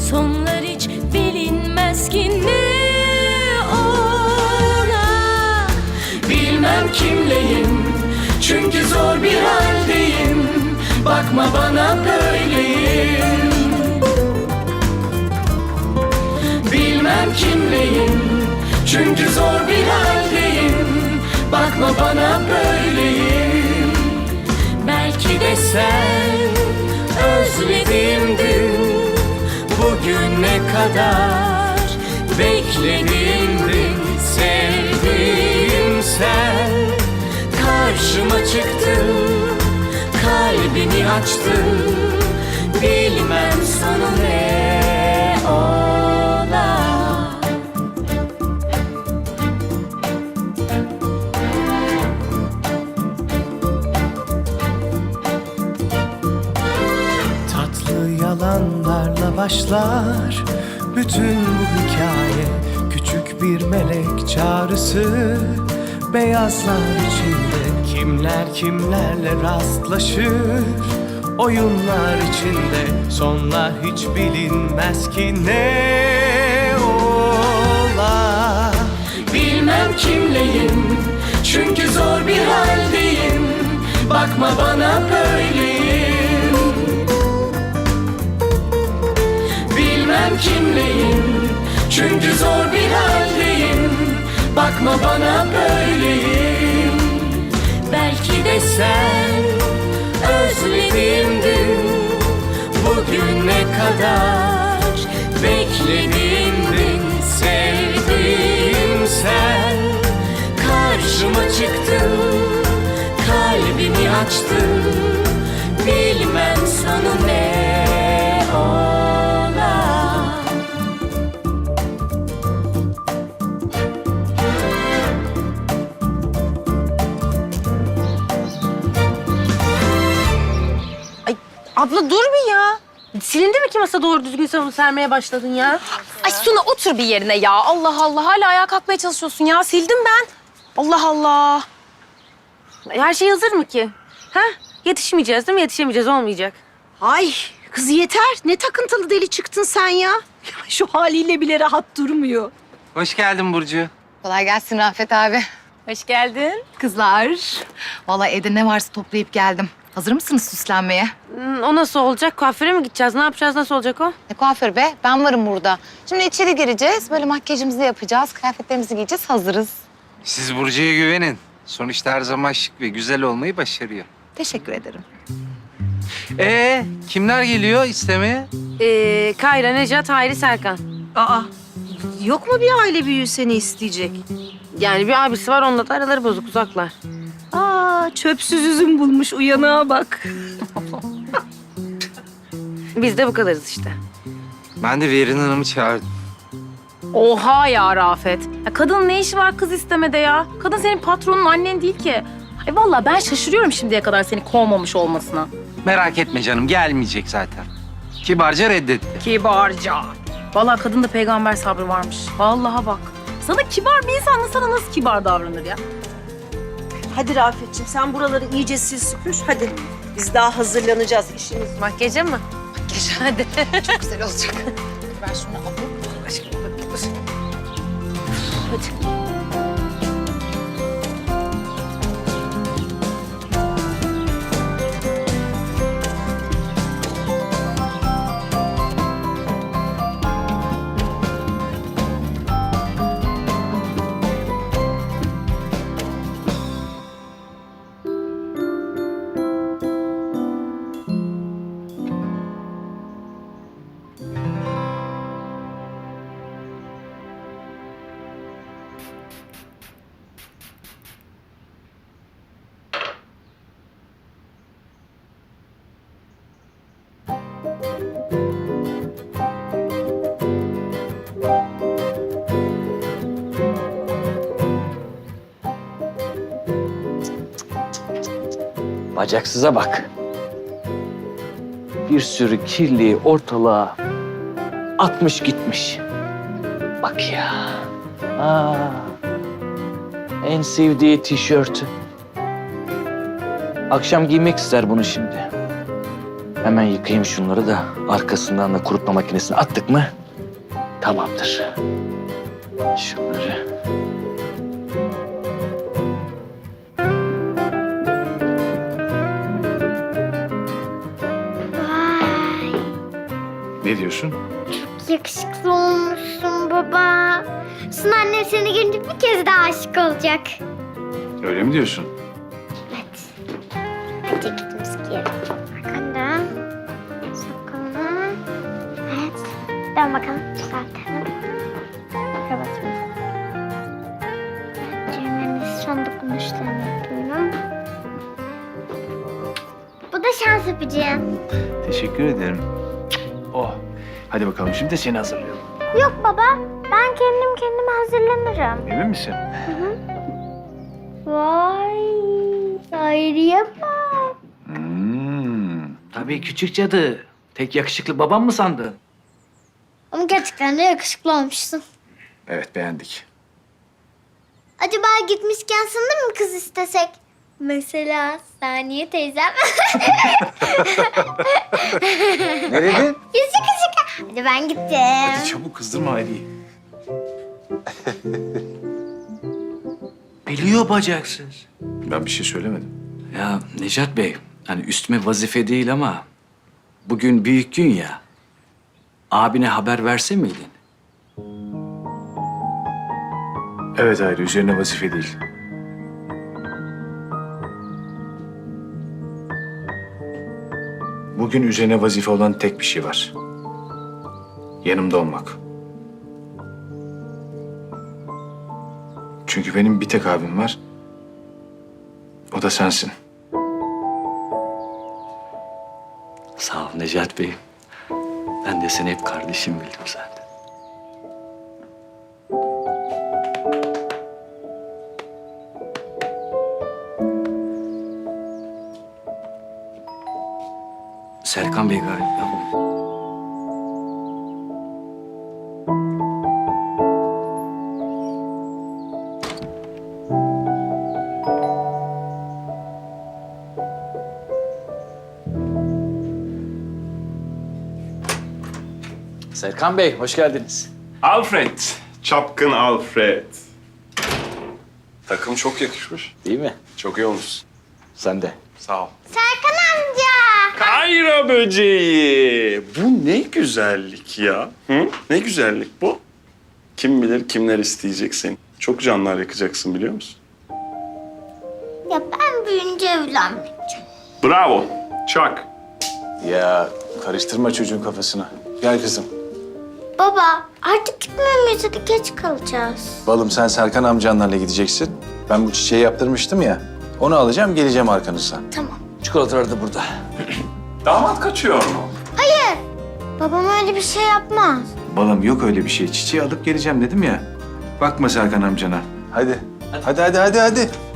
Sonlar hiç bilinmez ki ne ola. Bilmem kimleyim, çünkü zor bir haldeyim. Bakma bana böyleyim. Bilmem kimleyim, çünkü zor bir haldeyim. Bakma bana böyleyim. Belki de sen özlediğim gün, Bugüne kadar beklediğim gün, sevdiğim sen karşıma çıktın, kalbini açtın. Bilmem sonu ne ola. Tatlı yalanlarla başlar bütün bu hikaye. Küçük bir melek çağrısı beyazlar içinde. Kimler kimlerle rastlaşır oyunlar içinde. Sonlar hiç bilinmez ki ne ola. Bilmem kimleyim, çünkü zor bir haldeyim. Bakma bana böyleyim. Bilmem kimleyim, çünkü zor bir haldeyim. Bakma bana böyleyim. belki de sen özlediğim gün, Bugüne kadar beklediğim gün, sevdiğim sen karşıma çıktın, kalbini açtın. Bilmem sonu ne ola. Ay abla dur bir ya. Silindi mi ki masa doğru düzgün sabun sermeye başladın ya? Ay Suna otur bir yerine ya. Allah Allah hala ayağa kalkmaya çalışıyorsun ya. Sildim ben. Allah Allah. Her şey hazır mı ki? Ha? Yetişmeyeceğiz değil mi? Yetişemeyeceğiz, olmayacak. Ay kız yeter. Ne takıntılı deli çıktın sen ya. Şu haliyle bile rahat durmuyor. Hoş geldin Burcu. Kolay gelsin Rafet abi. Hoş geldin. Kızlar. Vallahi evde ne varsa toplayıp geldim. Hazır mısınız süslenmeye? O nasıl olacak? Kuaföre mi gideceğiz? Ne yapacağız? Nasıl olacak o? Ne kuaför be? Ben varım burada. Şimdi içeri gireceğiz. Böyle makyajımızı yapacağız. Kıyafetlerimizi giyeceğiz. Hazırız. Siz Burcu'ya güvenin. Sonuçta her zaman şık ve güzel olmayı başarıyor. Teşekkür ederim. Kimler geliyor istemeye? Kayra, Necat, Hayri, Serkan. Aa yok mu bir aile büyüğü seni isteyecek? Yani bir abisi var, onunla da araları bozuk, uzaklar. Aa çöpsüz üzüm bulmuş, uyanığa bak. Biz de bu kadarız işte. Ben de Verin Hanım'ı çağırdım. Oha ya Rafet. Ya kadının ne işi var kız istemede ya? Kadın senin patronun, annen değil ki. Ay vallahi ben şaşırıyorum şimdiye kadar seni kovmamış olmasına. Merak etme canım, gelmeyecek zaten. Kibarca reddetti. Kibarca. Vallahi kadında peygamber sabrı varmış. Vallahi bak. Sana kibar bir insan sana nasıl kibar davranır ya? Hadi Rafetciğim sen buraları iyice sil süpür. Hadi biz daha hazırlanacağız işimiz var. Makyaja mı? Makyaj hadi. Çok güzel olacak. Ben şunu alayım. Aşkım dur. Hadi. Bacaksıza bak. Bir sürü kirliyi ortalığa atmış gitmiş. Bak ya. En sevdiği tişörtü. Akşam giymek ister bunu şimdi. Hemen yıkayayım şunları da arkasından da kurutma makinesine attık mı tamamdır. Şunları. Vay, Ne diyorsun? yakışıklı olmuşsun baba. Sun annem seni görünce bir kez daha aşık olacak. Öyle mi diyorsun? Evet. Hadi ceketimizi giyelim. Arkandan. Sakalını. Evet. Dön bakalım. Düzeltelim. Kravatımızı. Düğmemiz son dokunuşlarını yapıyorum. Bu da şans öpücüğü. Teşekkür ederim. Oh. Hadi bakalım şimdi de seni hazırlayalım. Yok baba. Ben kendim kendime hazırlanırım. Emin misin? Vay. Hayriye bak. Tabii küçük cadı. Tek yakışıklı babam mı sandın? Ama gerçekten de yakışıklı olmuşsun. Evet, beğendik. Acaba gitmişken sana mı kız istesek? Mesela Saniye teyzem. Ne dedin? Şaka. Hadi ben gittim. Hadi çabuk kızdırma Ali'yi. Biliyor bacaksız. Ben bir şey söylemedim. Ya Necat Bey, hani üstüme vazife değil ama bugün büyük gün ya. Abine haber verse miydin? Evet Hayri, üzerine vazife değil. Bugün üzerine vazife olan tek bir şey var. Yanımda olmak. Çünkü benim bir tek abim var. O da sensin. Sağ ol Necat Bey. Ben de seni hep kardeşim bildim zaten. Serkan Bey galiba. Serkan Bey, hoş geldiniz. Alfred, çapkın Alfred. Takım çok yakışmış. Değil mi? Çok iyi olmuş. Sen de. Sağ ol. Serkan amca. Kayra böceği. Bu ne güzellik ya. Hı? Ne güzellik bu. Kim bilir kimler isteyecek seni. Çok canlar yakacaksın biliyor musun? Ya ben büyüyünce evlenmeyeceğim. Bravo. Çak. Ya karıştırma çocuğun kafasını. Gel kızım. Baba artık gitmemeyiz, hadi geç kalacağız. Balım sen Serkan amcanlarla gideceksin. Ben bu çiçeği yaptırmıştım ya. Onu alacağım, geleceğim arkanızdan. Tamam. Çikolatalar da burada. Damat kaçıyor mu? Hayır. Babam öyle bir şey yapmaz. Balım yok öyle bir şey. Çiçeği alıp geleceğim dedim ya. Bakma Serkan amcana. Hadi. Hadi.